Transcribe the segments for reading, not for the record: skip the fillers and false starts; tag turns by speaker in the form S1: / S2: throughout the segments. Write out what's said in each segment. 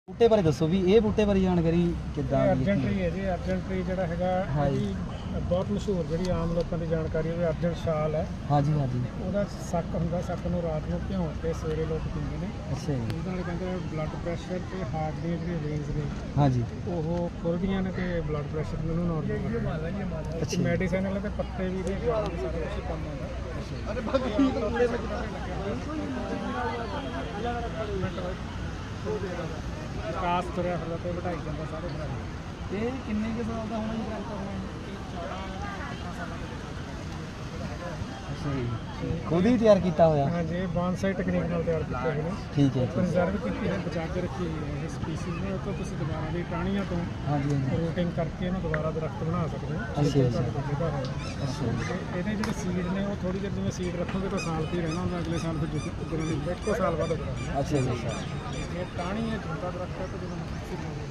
S1: ਬੂਟੇ ਬਾਰੇ ਦੱਸੋ ਵੀ ਇਹ ਬੂਟੇ ਬਾਰੇ ਜਾਣਕਾਰੀ ਕਿੱਦਾਂ ਦੀ
S2: ਅਰਜਨ ਟਰੀ ਹੈ ਜੀ। ਅਰਜਨ ਟਰੀ ਜਿਹੜਾ ਹੈਗਾ
S1: ਹਾਂਜੀ
S2: ਬਹੁਤ ਮਸ਼ਹੂਰ, ਜਿਹੜੀ ਆਮ ਲੋਕਾਂ ਦੀ ਜਾਣਕਾਰੀ ਹੋਵੇ, ਅਰਜਨ ਸ਼ਾਲ ਹੈ।
S1: ਹਾਂਜੀ ਹਾਂਜੀ
S2: ਉਹਦਾ ਸੱਕ ਹੁੰਦਾ, ਸੱਕ ਨੂੰ ਰਾਤ ਨੂੰ ਭਿਉਂ ਕੇ ਸਵੇਰੇ ਲੋਕ ਪੀਂਦੇ ਨੇ।
S1: ਅੱਛਾ ਜੀ
S2: ਉਹਦੇ ਨਾਲ ਕਹਿੰਦੇ ਬਲੱਡ ਪ੍ਰੈਸ਼ਰ ਤੇ ਹਾਰਟ ਦੀਆਂ ਜਿਹੜੀਆਂ ਵੇਨਸ ਨੇ
S1: ਹਾਂਜੀ
S2: ਉਹ ਖੁੱਲ੍ਹਦੀਆਂ ਨੇ ਤੇ ਬਲੱਡ ਪ੍ਰੈਸ਼ਰ ਨੂੰ ਨੋਰਮਲ ਕਰਦਾ।
S1: ਅੱਛਾ।
S2: ਮੈਡੀਸਨ ਵਾਲੇ ਤੇ ਪੱਤੇ ਵੀ ਦੇ ਸਾਰਾ ਕੁਝ ਕੰਮ ਆਉਂਦਾ। ਕਾਸ ਤੁਰਿਆ ਫਿਰਦਾ ਤੇ ਵਧਾਈ ਜਾਂਦਾ ਸਾਰੇ ਬਣਾ।
S1: ਇਹ ਕਿੰਨੇ ਕੁ ਸਾਲ ਦਾ ਹੋਣਾ ਜੀ ਟਰੈਕਟਰ ਹੋਣਾ? ਅੱਛਾ ਜੀ ਖੁਦ ਹੀ ਤਿਆਰ ਕੀਤਾ ਹੋਇਆ?
S2: ਹਾਂਜੀ, ਇਹ ਬੌਨਸਾਈ ਟੈਕਨੀਕ ਨਾਲ ਤਿਆਰ ਕੀਤੇ ਹੋਏ ਨੇ।
S1: ਠੀਕ ਹੈ ਜੀ।
S2: ਪ੍ਰੀਜ਼ਰਵ ਕੀਤੀ ਹੈ, ਬਚਾ ਕੇ ਰੱਖੀ ਹੋਈ ਹੈ। ਇਹ ਸਪੀਸੀਜ਼ ਨੇ, ਉਹ ਤੋਂ ਤੁਸੀਂ ਦੁਬਾਰਾ ਦੀ ਟਾਹਣੀਆਂ ਤੋਂ
S1: ਹਾਂਜੀ ਹਾਂਜੀ
S2: ਰੂਟਿੰਗ ਕਰਕੇ ਇਹਨੂੰ ਦੁਬਾਰਾ ਦਰਖਤ ਬਣਾ ਸਕਦੇ ਹੋ।
S1: ਅੱਛਾ ਜੀ।
S2: ਤੁਹਾਡੇ ਕੋਲ ਜਗ੍ਹਾ ਹੈ।
S1: ਅੱਛਾ ਜੀ
S2: ਤੇ ਇਹਦੇ ਜਿਹੜੇ ਸੀਡ ਨੇ ਉਹ ਥੋੜੀ ਜਿਹੀ ਜਿਵੇਂ ਸੀਡ ਰੱਖੋਗੇ ਤਾਂ ਸਾਲ ਤੇ ਹੀ ਰਹਿਣਾ ਹੁੰਦਾ, ਅਗਲੇ ਸਾਲ ਫਿਰ ਉੱਗਣ ਦੀ ਇੱਕੋ ਸਾਲ ਬਾਅਦ ਉੱਗਣਾ।
S1: ਅੱਛਾ ਜੀ ਅੱਛਾ
S2: ਇਹ ਟਾਹਣੀ ਹੈ, ਛੋਟਾ ਦਰਖਤ ਹੈ ਤੇ ਜਦੋਂ
S1: ਠੀਕ ਹੈ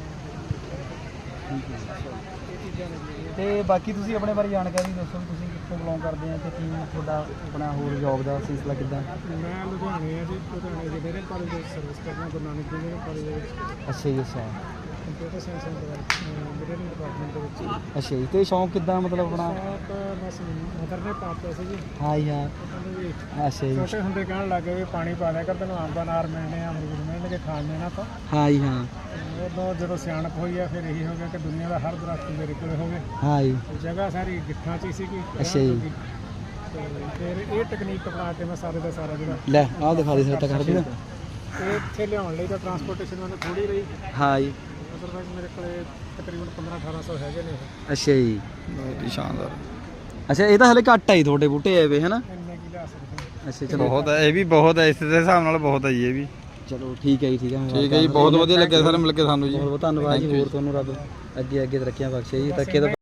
S2: ਇਹ ਚੀਜ਼ਾਂ ਨੇ।
S1: ਤੇ ਬਾਕੀ ਤੁਸੀਂ ਆਪਣੇ ਬਾਰੇ ਜਾਣਕਾਰੀ ਦੱਸੋ ਵੀ ਤੁਸੀਂ ਕਿੱਥੋਂ ਬਿਲੋਂਗ ਕਰਦੇ ਆ ਤੇ ਕੀ ਤੁਹਾਡਾ ਆਪਣਾ ਹੋਰ ਜੌਬ ਦਾ ਸਿਲਸਿਲਾ ਕਿੱਦਾਂ?
S2: ਮੈਂ ਲੁਧਿਆਣੇ ਆ ਜੀ। ਲੁਧਿਆਣੇ ਦੇ ਡੇਰੇ ਕਾਲਜ ਦੇ ਵਿੱਚ ਸਰਵਿਸ ਕਰਦਾ, ਗੁਰੂ ਨਾਨਕ ਦੇਵ ਕਾਲਜ ਦੇ ਵਿੱਚ
S1: ਅੱਛਾ ਜੀ ਅੱਛਾ
S2: computer science and engineering department ਦੇ ਵਿੱਚ।
S1: ਅੱਛਾ ਜੀ ਤੇ ਸ਼ੌਂਕ ਕਿੱਦਾਂ ਮਤਲਬ ਆਪਣਾ?
S2: ਸ਼ੌਕ ਬਸ ਮਦਰ ਨੇ ਪਾਪਾ ਸੀ ਜੀ।
S1: ਹਾਂ ਜੀ ਹਾਂ
S2: ਕਹਿੰਦੇ ਵੀ
S1: ਅੱਛਾ ਜੀ
S2: ਛੋਟੇ ਹੁੰਦੇ ਕਹਿਣ ਲੱਗੇ ਵੀ ਪਾਣੀ ਪਾ ਲਿਆ ਕਰ, ਤੈਨੂੰ ਅੰਬ ਅਨਾਰ ਮਿਲਣੇ ਆ, ਅਮਰੂਦ ਮਿਲਣਗੇ ਖਾਣ ਨੂੰ ਇਹਨਾਂ ਤੋਂ।
S1: ਹਾਂ ਜੀ ਹਾਂ
S2: ਉਦੋਂ ਜਦੋਂ ਸਿਆਣਪ ਹੋਈ ਆ ਫਿਰ ਇਹੀ ਹੋ ਗਿਆ ਕਿ ਦੁਨੀਆ ਦਾ ਹਰ ਦਰਖਤ ਮੇਰੇ ਕੋਲ ਹੋਵੇ।
S1: ਹਾਂ ਜੀ
S2: ਜਗ੍ਹਾ ਸਾਰੀ ਗਿੱਠਾਂ 'ਚ ਹੀ ਸੀਗੀ।
S1: ਅੱਛਾ ਜੀ।
S2: ਤੇ ਫਿਰ ਇਹ ਟੈਕਨੀਕ ਅਪਣਾ ਕੇ ਮੈਂ ਸਾਰੇ ਦਾ ਸਾਰਾ ਜਿਹੜਾ
S1: ਲੈ ਆਹ ਦਿਖਾ ਦੇ ਸਰ ਤਾਂ ਕਰ ਦੇ ਨਾ।
S2: ਇਹ ਇੱਥੇ ਲਿਆਉਣ ਲਈ ਤਾਂ ਟਰਾਂਸਪੋਰਟੇਸ਼ਨ ਮੈਨੂੰ ਥੋੜੀ ਰਹੀ।
S1: ਹਾਂ ਜੀ
S2: ਅਦਰਵਾਈਜ਼ ਮੇਰੇ ਕੋਲੇ ਤਕਰੀਬਨ 1500-1800 ਹੈਗੇ ਨੇ ਇਹ।
S1: ਅੱਛਾ ਜੀ ਬਹੁਤ ਹੀ ਸ਼ਾਨਦਾਰ। ਅੱਛਾ ਇਹ ਤਾਂ ਹਲੇ ਘੱਟ ਆਈ ਤੁਹਾਡੇ ਬੂਟੇ ਆਏ ਵੇ ਹਨਾ?
S2: ਇੰਨੇ ਕੀ ਲਿਆ ਸਕਦੇ ਹਾਂ।
S1: ਅੱਛਾ ਚਲੋ
S3: ਬਹੁਤ ਹੈ, ਇਹ ਵੀ ਬਹੁਤ ਹੈ, ਇਸ ਦੇ ਹਿਸਾਬ ਨਾਲ ਬਹੁਤ ਹੈ ਜੀ ਇਹ ਵੀ।
S1: ਚਲੋ ਠੀਕ ਹੈ ਜੀ ਠੀਕ ਹੈ।
S3: ਠੀਕ ਹੈ ਜੀ, ਬਹੁਤ ਵਧੀਆ ਲੱਗਿਆ ਸਰ ਮਿਲ ਕੇ ਸਾਨੂੰ ਜੀ।
S1: ਬਹੁਤ ਬਹੁਤ ਧੰਨਵਾਦ ਜੀ। ਹੋਰ ਤੁਹਾਨੂੰ ਰੱਬ ਅੱਗੇ ਅੱਗੇ ਤਰੱਕੀਆਂ ਬਖਸ਼ੇ ਜੀ। ਧੱਕੇ ਤੋਂ